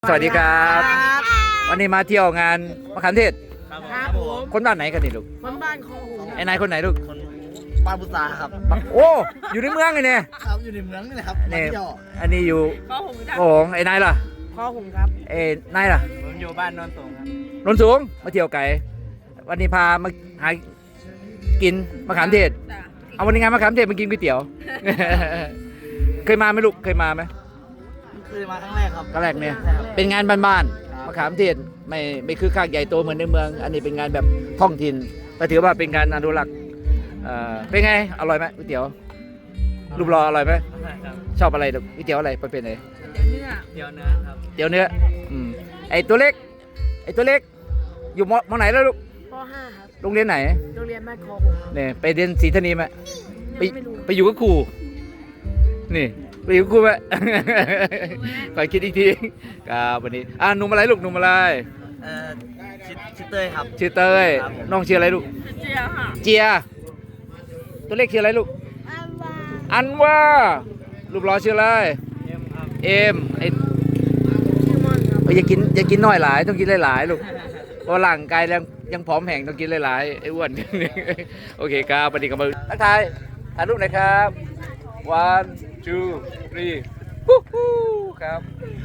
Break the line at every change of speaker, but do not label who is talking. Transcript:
สวัสดีครับ วันนี้มาเที่ยวงานมะขามเทศ
ครับผม
คนบ้านไหนกันนี่ลูก
คนบ้านคลองหู
ไอ้นายคนไหนลูก
คนบ้านพุทราครับ
โอ้อยู่ในเมืองไงเนี่ย
ครับอยู่ในเมืองนี่แหละครับ
นี่
มาเที่ยว
อันนี้อยู่
คลองหูครับ
โอ้ไอ้นายล่ะ
คลองหูครับ
เอ้นายล่ะ
ผมอยู่บ้านนนท์สูงครับ
นนท์สูงมาเที่ยวไกลวันนี้พามาหากินมะขามเทศ เอาวันนี้งานมะขามเทศมากินก๋วยเตี๋ยว เคยมาไหมลูกเคยมาไหม
เคยมาครั้งแรกครับ
ครั้งแรกเนี่ยเป็นงานบ้านๆมะขามเทศไม่คือข้างใหญ่โตเหมือนในเมือง อันนี้เป็นงานแบบท้องถิ่นแต่ถือว่าเป็นการอนุรักษ์เป็นไงอร่อยไหมก๋วยเตี๋ยวรูปรออร่อยไหม
ครับ
ชอบอะไรลูกก๋วยเตี๋ยวอะไรประเภทไหน
เนื้อ
เดี๋ยวเนื้อครับ
เตี๋ยวเนื้อไอตัวเล็กอยู่มไหนแล้วลูก
ป .5 ครับ
โรงเรียนไหน
โรงเรียนบ้านคลองหูครับ
เนี่ยไปเรียนศรีธานีไหมไป
ยังไม่รู้
ไปอยู่กับครูนี่ไปอยู่กับครูไหม ขอคิดอีกทีครับวันนี้หนุ่มอะไรลูกหนุ่มอะไร
เอ่อชิเต้ยครับ
ชื่อเต้ย
ครับผม
น้องชื่ออะไรลูก
เจียค่ะ
เจียตัวเล็กชื่ออะไรลูกอันว่ารูปรอชื่ออะไร
เอ็มครับ
เอ็มไอ
ชื่อมอนครับ
อย่ากินน้อยหลายต้องกินหลายๆลูกเพราะร่างกายยังผอมแห้งต้องกินหลายๆไอ้อ้วน โอเคครับปฏิกรรมทักทายถ่ายรูปหน่อยครับ one two three ฮู้ฮู้ครับ